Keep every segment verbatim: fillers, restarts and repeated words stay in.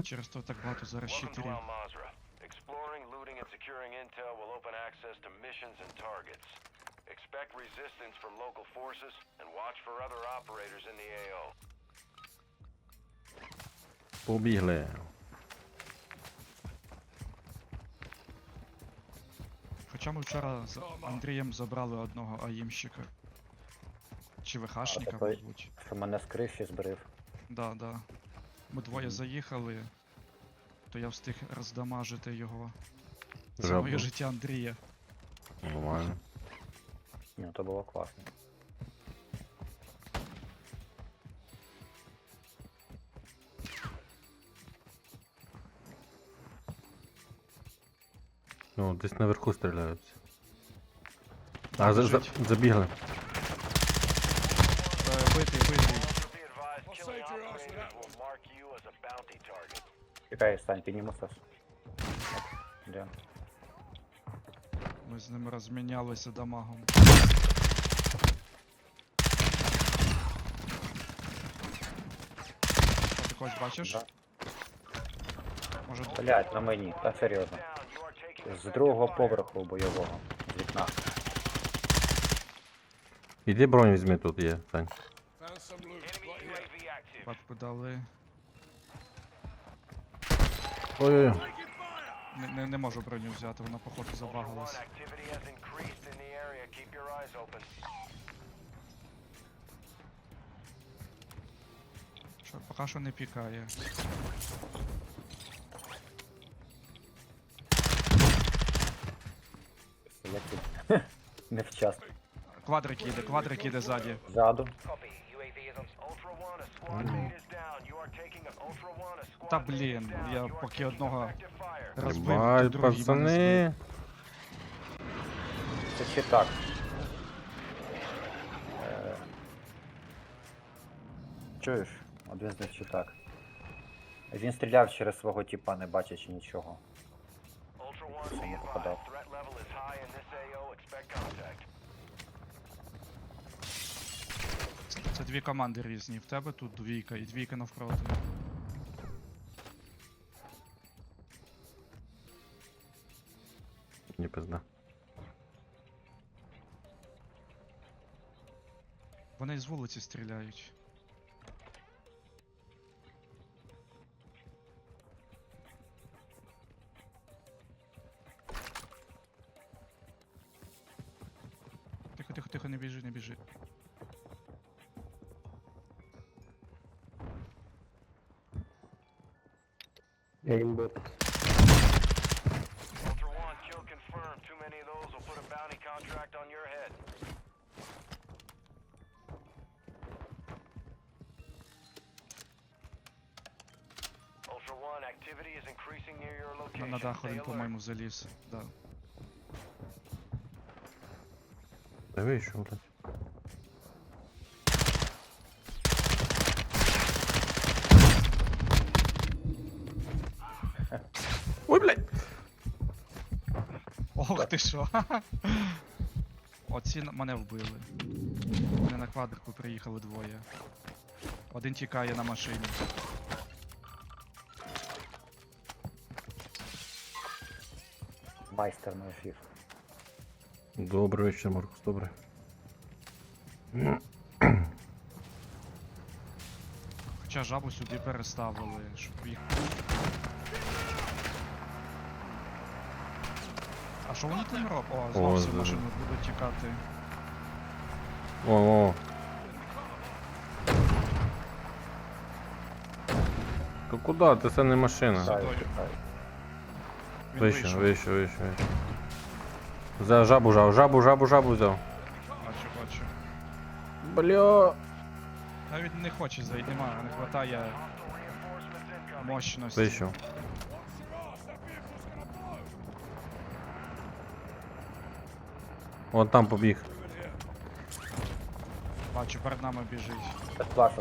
Через то так багато зараз Welcome to щитерів. Al Mazrah. Exploring, looting, and securing intel will open access to missions and targets. Expect resistance from local forces and watch for other operators in the A O. Побігли. Хоча ми вчора з Андрієм забрали одного аїмщика. Чи ВХшника, А, такий- мабуть. Що мене з криші збрив. Да, да. Ми двоє Мгм. заїхали, то я встиг роздамажити його. Це Жабу. моє життя Андрія. Нормально. Ні, то було класно. Ну, десь наверху стріляються. А, за, за, Біжить. забігли. Е, Битий, битий. Also be advised, killing operators will mark you as a bounty target. Чекай, стань, піднімуся. Де? Ми з ним розмінялися дамагом. Що ти хочеш, бачиш? Да. Може, Блять, на мені, та серйозно. Down, you are taking З другого effective fire. поверху бойового. З вікна. Іди бронь візьми, тут є, Сань. Enemy U A V active. патку дали. Ой-ой-ой. Не, не, не можу броню взяти, вона походу Ultra One, забагалась. activity has increased in the area. Keep your eyes open. Що, поки що не пікає. Як тут? Невчасно. Квадрик їде, квадрик їде ззаді. Ззаду. Copy. U A V is on. Ultra One, a squad mate is down. You are taking a Ultra One, a squad Та mate is блін, down. я You are поки taking одного effective fire. розбив, то Тримай, другий мене збив. пацани. Це чи так? Е, Чуєш? Один з них чи так. Він стріляв через свого тіпа, не бачачи нічого. Ultra One, be Саме advised. попадав. Threat level is high in this A O. Expect contact. Це дві команди різні. В тебе тут двійка і двійка навпроти. Ні, пизда. Вони з вулиці стріляють. Тихо, тихо, тихо, не біжи, не біжи. Ultra One, kill confirmed. Too many of those will put a bounty contract on your head. Ultra One, activity is increasing near your На, location. на дах Stay один, alert. по-моєму, заліз. Да. Та вийшов, блядь. Ой, блядь. Ох ти що. Оці на- мене вбили. Вони на квадрику приїхали двоє. Один тікає на машині. Майстер на ефір. Добрий вечір, Маркус, добре. Хоча жабу сюди переставили, щоб їх. А що вони там роблять? О, знову всі Ой, машини будуть тікати. О, о. То куди? Ти це не машина. Тікаю, Стой. тікаю. Він Вище, вийшов. вище, вище, вище. За жабу, жабу, жабу, жабу, жабу взяв. Бачу, бачу. Бля. Навіть не хоче зайти, немає, не хватає мощності. Вийшов. Вон там побіг. Бачу, перед нами біжить. Це плашок.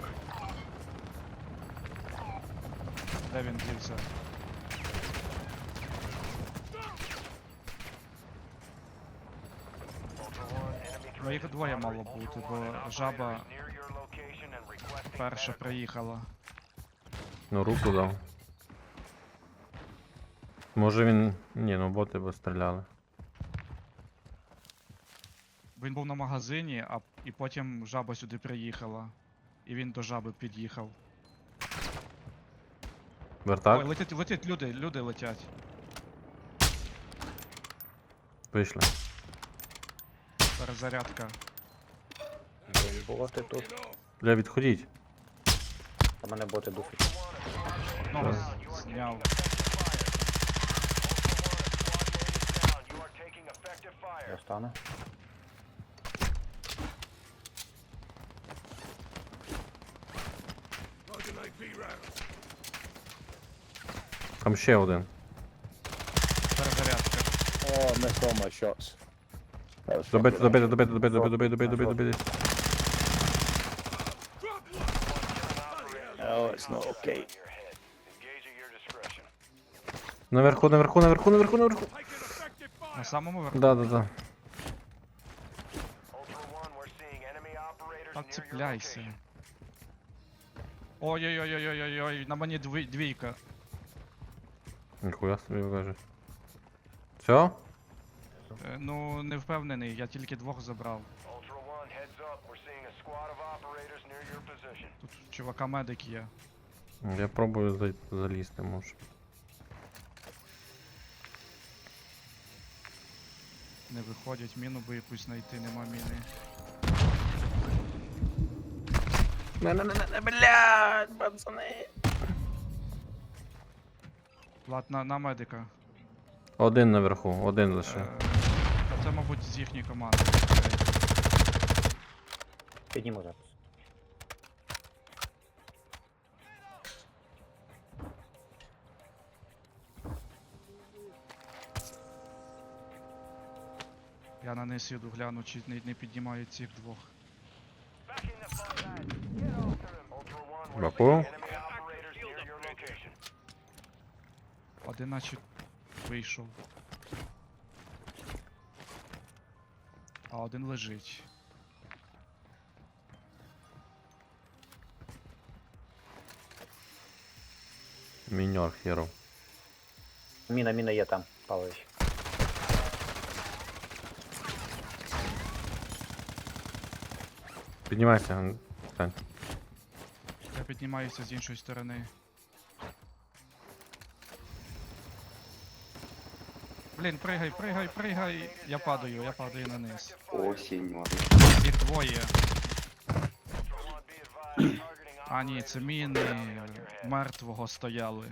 Де він дівся? Ну їх двоє мало бути, бо жаба перша приїхала. Ну, руку дав. Може він. Ні, ну боти би стріляли. Він був на магазині, а і потім жаба сюди приїхала. І він до жаби під'їхав. Вертак? Ой, летять, летять люди, люди летять. Вийшли. Перезарядка. Боти тут. Бля, відходіть. А мене боти душать. Одного з- зняв. You are taking effective fire. Я стану. Там ще один. Перезарядка. Oh, I missed all my shots. That was Добити, fucking добити, добити, добити, добити, добити, добити, добити, добити. Oh, it's not okay. In your head. Engage at your discretion. Наверху, наверху, наверху, наверху, наверху. На самому верху. Да, да, да. Ultra One, we're seeing enemy operators Так near your цепляйся. location. Ой-ой-ой-ой-ой-ой, на мені дві, двійка. Ніхуя собі каже. Все? Е, ну, не впевнений, я тільки двох забрав. Ultra One, heads up. We're seeing a squad of operators near your position. Тут чувака медик є. Я пробую за- залізти, може. Не виходять, міну би якусь знайти, нема міни. Не-не-не, блядь, пацани. Влад, на, на медика. Один наверху, один лише. Е, та це, мабуть, з їхньої команди. Підніму зараз. Я на низ їду, гляну, чи не, не піднімають цих двох. Backing the fight. Get after him. Ultra One, we're Баку. seeing enemy operators near your location. Один наче вийшов. А один лежить. Міньор хіро. Міна, міна є там, Павлович. Піднімайся, стань. Я піднімаюся з іншої сторони. Блін, пригай, пригай, пригай. Я падаю, я падаю на низ. Осінь, ладно. Їх двоє. Ultra One, be advised. Targeting А ні, це міни on your head. мертвого стояли.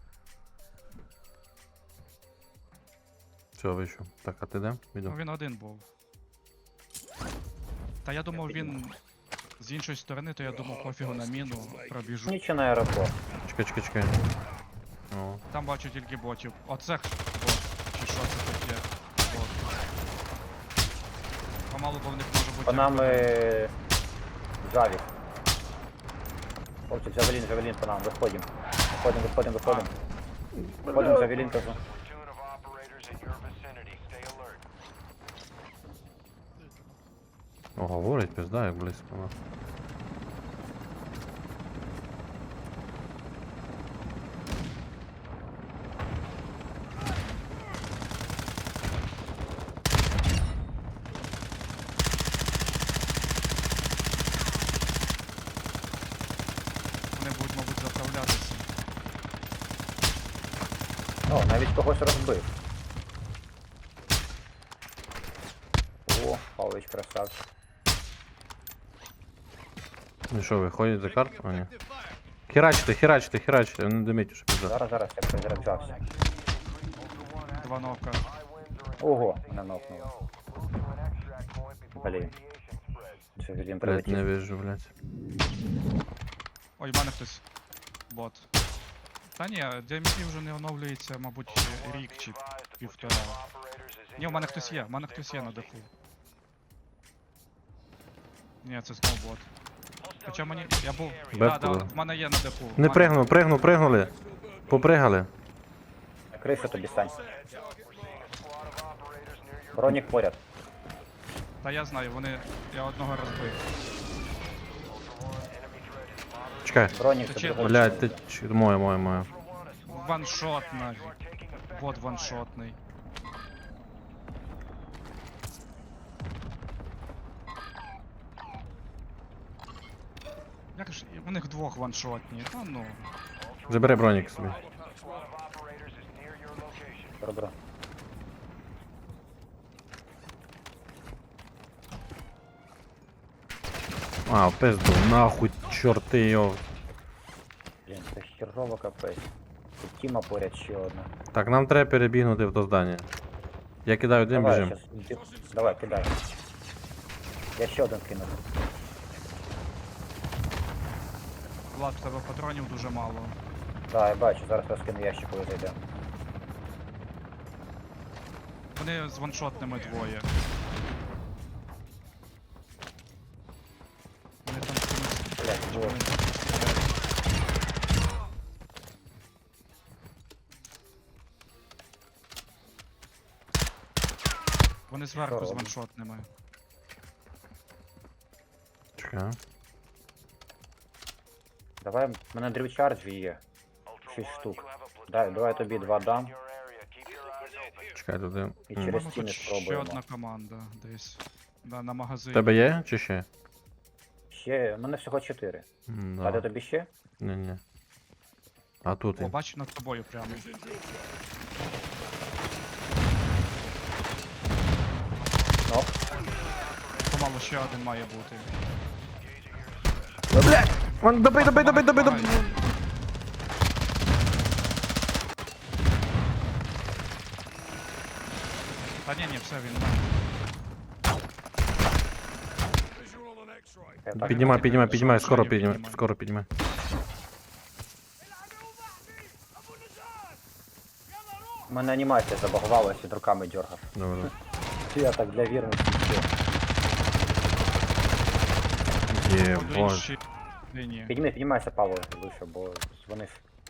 Все, вийшов. Так, а ти де? Ну Іду. він один був. Та я думав він з іншої сторони, то я думав пофігу на міну, пробіжу. Нічого на аеропорт. Чекай, чекай, чекай. О, Там бачу тільки ботів. Оце х- бот. Чи що це таке? Бот. Помалу, бо в них може бути. По нам артилерія. е... Джавік. Хлопці, Джавелін, Джавелін по нам, виходимо. Виходимо, виходимо, виходимо. Виходимо, Джавелін кажу. Platoon of operators in your vicinity. Stay alert. О, говорить, пизда, як близько. Ну. Вони будуть, мабуть, заправлятися. О, навіть когось розбив. О, Павлович красавчик. Ну що, виходять за карту? А, ні. Херачте, херачте, херачте, не диміть, що пизда. Зараз, зараз, я перезаряджався. Два нока. Ого, мене нокнуло. Блін. Джавелін Блять, прилетів. не вижу, блять. Ой, в мене хтось. Бот. Та ні, діаметрі вже не оновлюється, мабуть, рік чи півтора. Ні, в мене хтось є, в мене хтось є на даху. Ні, це знову бот. Хоча мені. Я був. Бет Да, да, було. в мене є на даху. В Не мене- пригнув, пригнув, пригнули. Попригали. Криша тобі стань. Бронік поряд. Та я знаю, вони. Я одного розбив. Чекай. Бронік Це це чи- другий. Блять, ти ч- моє, моє, моє. Ваншот нафіг. бот ваншотний. Як ж, у них двох ваншотні, та ну. Забери бронік собі. Squad of operators is near your location. Добре. А, в пизду, нахуй, чорти його. Блін, це херово капець. Тут Тіма поряд ще одна. Так, нам треба перебігнути в то здання. Я кидаю дим, Давай, біжим. щас, ді- давай, кидай. Я ще один кинув. Влад, в тебе патронів дуже мало. Так, я бачу, зараз розкину ящик, коли зайдемо. Вони з ваншотними двоє. Вони там чомусь... Блять, Вони... вот. Вони зверху з робимо? ваншотними. Чекай. Давай, в мене дрівчарджі є. Ultra Шість One, штук. you have a platoon Дай, of давай тобі два operators дам. in your area. Keep your eyes open. Чекай туди. І М. через По-моєму, стіни тут ще спробуємо. одна команда десь. Да, на магазині. Тебе є чи ще? Ще, в мене всього чотири. М, А де Да. тобі ще? Ні, ні. А тут О, він. бачу над тобою прямо. Оп. Помалу ще один має бути. Вон, добий, добий, добий, добий, добий. Помагай. Та ні, ні, все, він. Я так, Піднімай, піднімай, піднімай, Що скоро не піднімай, піднімай? скоро піднімай. У мене анімація забагувалась і руками дергав. Добре. Я так для вірності все. Є, По боже. іншій лінії. Підніми, піднімайся, Павло, вище, бо дзвонив.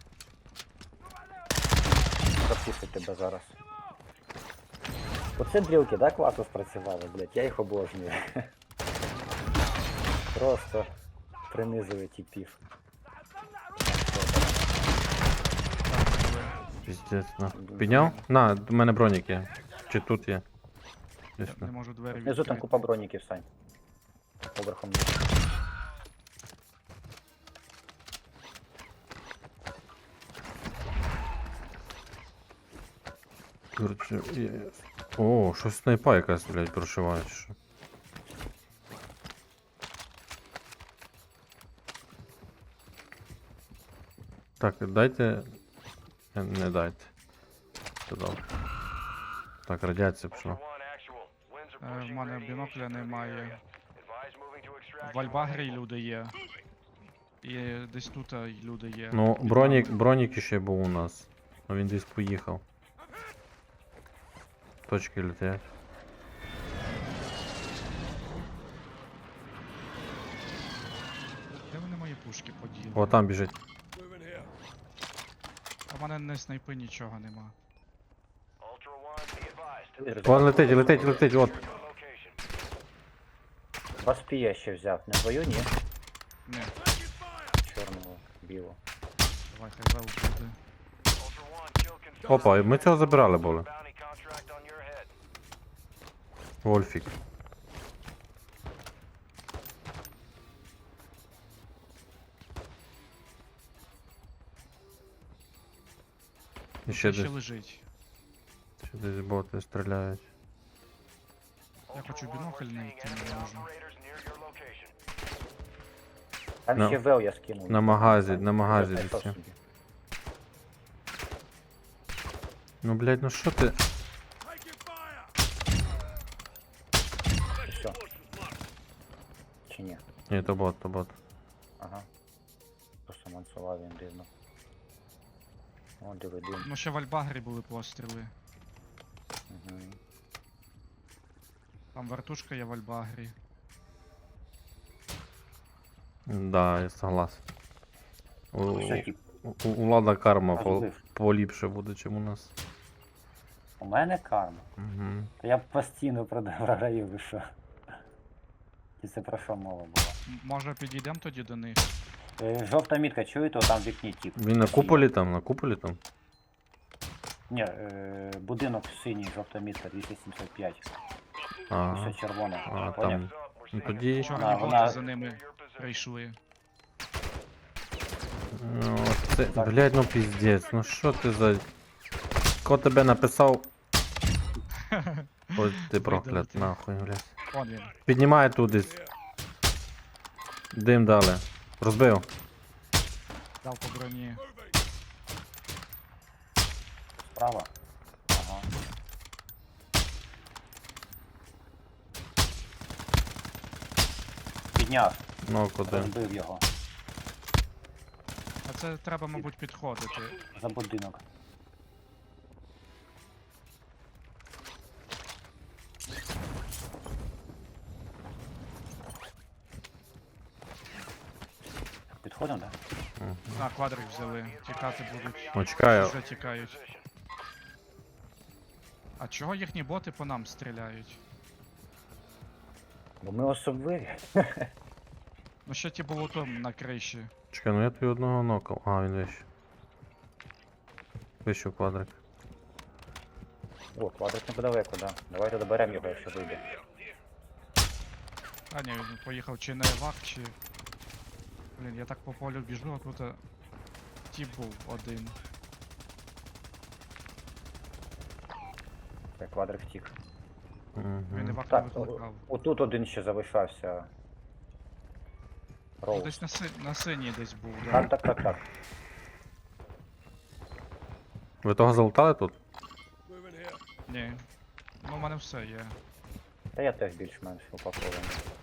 Запустить тебе зараз. Оце дрілки, да, класно спрацювали, блядь, я їх обожнюю. Просто принизує типів. Піздець, на. Підняв? На, у мене бронік є. Чи тут є? Десь Не тут. можу двері Внизу там відкрити. купа броніків, Сань. Поверхом вниз. Короче, є. О, щось снайпа якась, блядь, прошиває, чи що. Так, дайте. Не, не дайте. Це добре. Так, радіація Ultra пішла. One, actual. Winds are Е, в pushing мене radiation бінокля through the немає. area. Advise moving to extraction В Альбагрі when able. люди є. І десь тут е, люди є. Ну, Під бронік, нами. бронік ще був у нас. Ну він десь поїхав. Точки летять. Де вони мої пушки поділи? О, там біжить. А в мене не снайпи нічого нема. Ultra One, be advised. Вон летить, летить, летить, от. Your location. Вас піє ще взяв, не твою, ні? Ні, Чорного, білого. давай хай вел буде. Ultra One, kill confirmed. Опа, і ми цього забирали були. Bounty contract on your head. Вольфік. І ще Ще десь, лежить. ще десь боти стріляють. Я хочу бінокль знайти, не можу. Operators near your location. Там На- ще вел я скинув. На магазі, на магазі Я десь. знайшов є. собі. Ну блять, ну що ти? Все. Чи ні? Ні, то бот, то бот. Ага. Просто мансував він дивно. О, диви, дим. Ну ще в Альбагрі були постріли. Угу. Там вертушка є в Альбагрі. Да, я согласен. У, Все, тип, у, у Влада карма по, Розбив. поліпше буде, чим у нас. у мене карма. Угу. Та я постійно прода- програю, ви що? І це про що мова була? М- Може підійдемо тоді до них? Е, Жовта мітка, чуєте, там в вікні тип. Він на куполі там, на куполі там. Ні, е, будинок синій, жовта мітка, двісті сімдесят п'ять. А, Все червоне. а Поняв? там. Ну тоді. Чорні А, боти вона- за ними прийшли. Ну, це, блядь, ну піздець, ну що ти за. Хто тебе написав? Ось ти проклят, Видалити. нахуй, блядь. Вон він. Піднімає тут десь. Дим дали. Розбив. Дав по броні. Справа. Ага. Підняв, Ну, куди? розбив його. А це треба, мабуть, підходити. За будинок. Підходимо, так? А, квадрик взяли. Тікати будуть. Ну, чекаю. Вже тікають. А чого їхні боти по нам стріляють? Бо ми особливі. Ну ще ті було там на криші. Чекай, ну я тобі одного нокав. А, він вище. Вище квадрик. О, квадрик неподалеку, да. Давайте доберемо його, якщо вийде. А ні, він поїхав чи на евак, чи. Блін, я так по полю біжу, а тут тіп був один. Так, квадрик втік. Він Угу. евак не Так, викликав. о- отут один ще залишався. Ну, Роуз. десь на, си... на синій десь був, да? Так, так, так, так. Ви того залутали тут? Ні. Ну, в мене все є. Та я теж більш-менш упакований.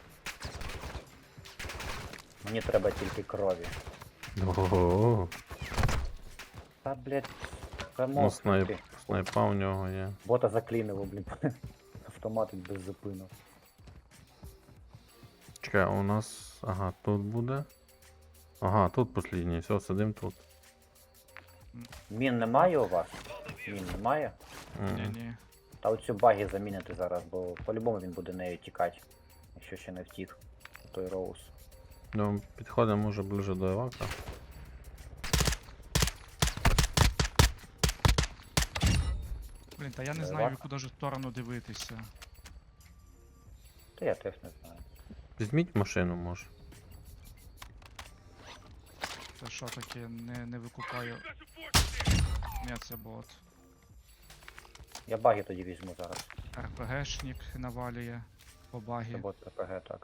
Мені треба тільки крові. Ого. Та, блядь, Ну, замовк снайп, ти. снайпа у нього є. Бота заклінило, блін. Автоматик без зупину. Чекай, а у нас. Ага, тут буде. Ага, тут послідній, все, сидим тут. Мін немає у вас? Мін немає? М. Ні-ні. Та оцю баги замінити зараз, бо по-любому він буде нею тікати. Якщо ще не втік. Той Роуз. Ну, підходимо може ближе до евака. Блін, та я не Е, знаю, в вак. яку даже сторону дивитися. Та я теж не знаю. Візьміть машину, може. Це що таке, не, не викупаю. Ні, це бот. Я баги тоді візьму зараз. РПГшник навалює по Це багі. бот ППГ, так.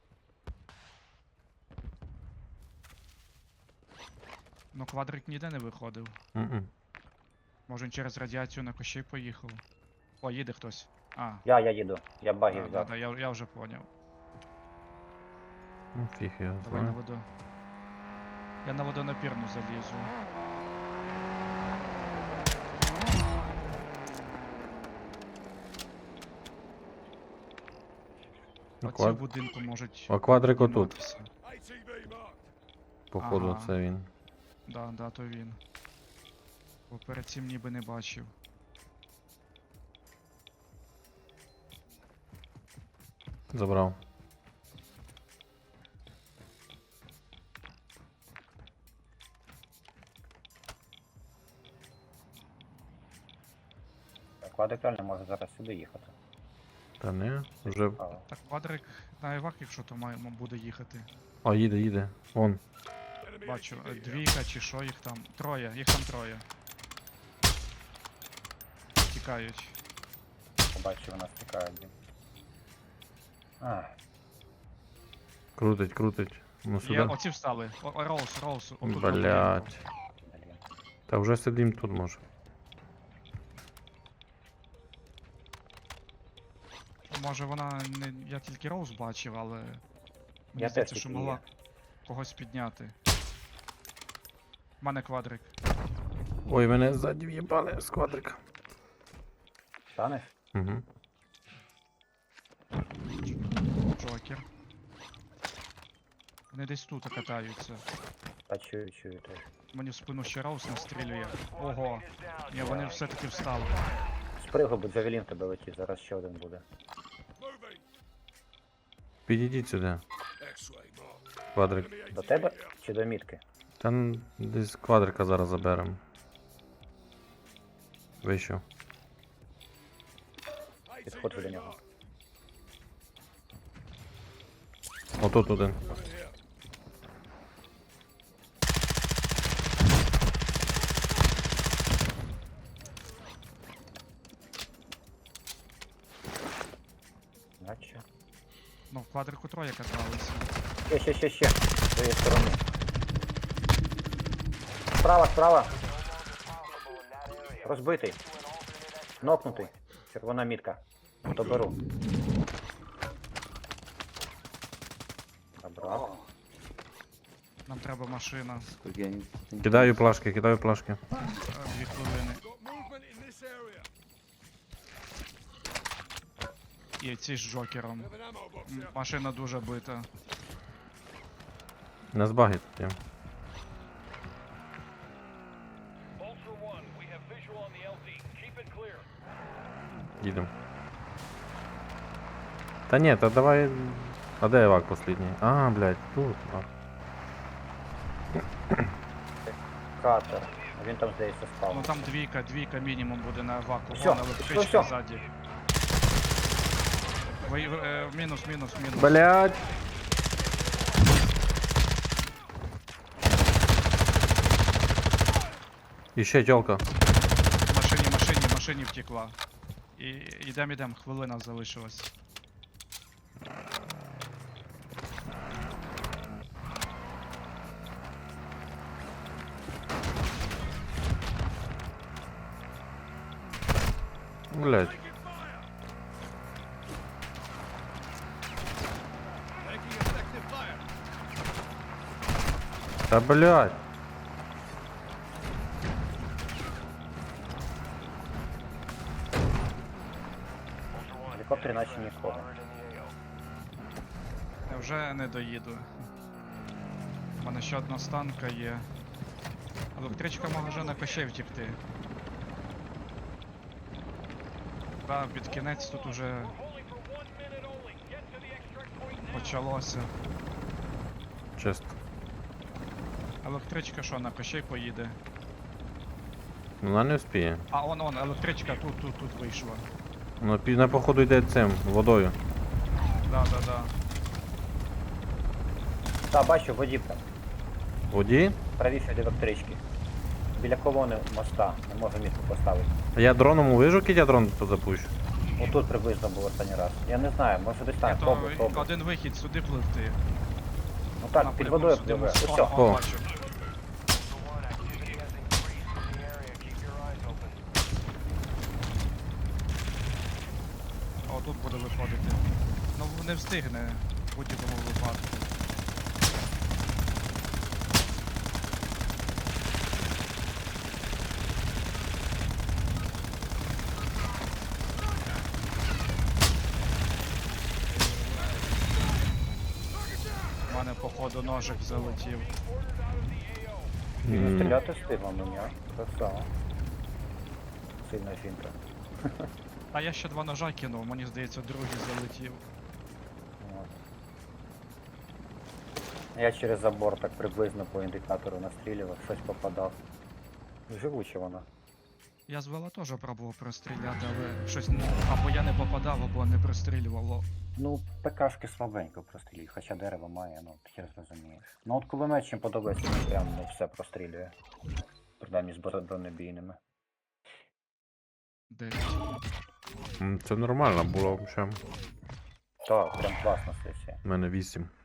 Ну квадрик ніде не виходив. М-м. Може він через радіацію на кощей поїхав. О, їде хтось. А, Я, я їду. Я баги да, да, взяв. да, я, я вже поняв. Ну, фіг я Давай на знаю. воду. Я на водонапірну залізу. Ну, Оці в квад... будинку можуть. А квадрик отут. підніматися. Походу, Ага. це він. Да, да, то він. Бо перед цим ніби не бачив. Забрав. Так, квадрик реально може зараз сюди їхати. Та не, вже. А, Так, квадрик на евак, якщо то має, м- буде їхати. А, їде, їде. Вон. Бачу, е, двійка чи що їх там. Троє, їх там троє. Тікають. побачив, у нас тікає, блін. А, Крутить, крутить. Ну Є, сюди. оці встали. О, о, Роуз, Роуз. отут на будинку. Блять. блін. Та вже сидим тут може. Може вона не. Я тільки Роуз бачив, але. Мені Я здається, теж що тільки могла є. когось підняти. У мене квадрик. Ой, мене ззаді в'їбали з квадрика. Станеш? Угу. Джокер. Вони десь тут катаються. Та чую, чую теж. Мені в спину ще Роуз настрілює. Ого. Ні, вони все-таки встали. Спригу, бо Джавелін в тебе летить, зараз ще один буде. Підійдіть сюди. Квадрик. До тебе чи до мітки? Та н- десь квадрика зараз заберемо. Вийшов. Підходжу до нього. Отут один. Наче. Ну, в квадрику троє каталися. Ще, ще, ще, ще. З цієї сторони. Справа, справа. Розбитий. Нокнутий. Червона мітка. Доберу. Забрав. Нам треба машина. Кидаю плашки, кидаю плашки. Е, Дві хвилини. І ці з Джокером. М, Машина дуже бита. Не збагить. є. Їдем. Та ні, та давай. А де евак послідній? А, блядь, тут. А. Катер. Він там, здається, Ну спав. там двійка, двійка мінімум буде на ваку. Всьо, Вон всьо, електричка всьо. ззаді. Ви, е, мінус, мінус, мінус. Блядь. І ще тёлка. В машині, машині, машині втекла. І йдем, йдем, хвилина залишилась. Блядь. Та блядь. В гелікоптері наче нікого. Я вже не доїду. У мене ще одна станка є. Електричка може на кощей втекти. Да, під кінець тут уже почалося. Чисто. Електричка що, на кощей поїде? Ну вона не вспіє. А, он, он, електричка тут, тут, тут вийшла. Ну пі- на походу йде цим, водою. Да, да, да. Та, бачу, водівка. Воді? Правіше від електрички. Біля колони моста. Не можу мітку поставити. А я дроном увижу, кіть я дрон запущу. Отут приблизно був останній раз. Я не знаю, може десь там. То Пробуй, пробуй. один вихід сюди пливти. Ну так, під Напряму водою сюди пливе. в сторону. Усьо. О, О. бачу. О, тут буде виходити. Ну не встигне в будь-якому випадку. У мене походу ножик залетів. М. Стріляти встигла мені, а? Красава. Сильна жінка. А я ще два ножа кинув, мені здається, другий залетів. От. Я через забор так приблизно по індикатору настрілював, щось попадав. Живуча вона. Я з вела теж пробував простріляти, але щось не- або я не попадав, або не прострілювало. Ну, ПКшки слабенько прострілюють, хоча дерево має, ну, хер зрозумієш. Ну от кулемет чим подобається, він прям ну, все прострілює. Принаймні з бро- бронебійними. Дев'ять. М, Це нормально було взагалі. Так, прям класна сесія. У мене вісім.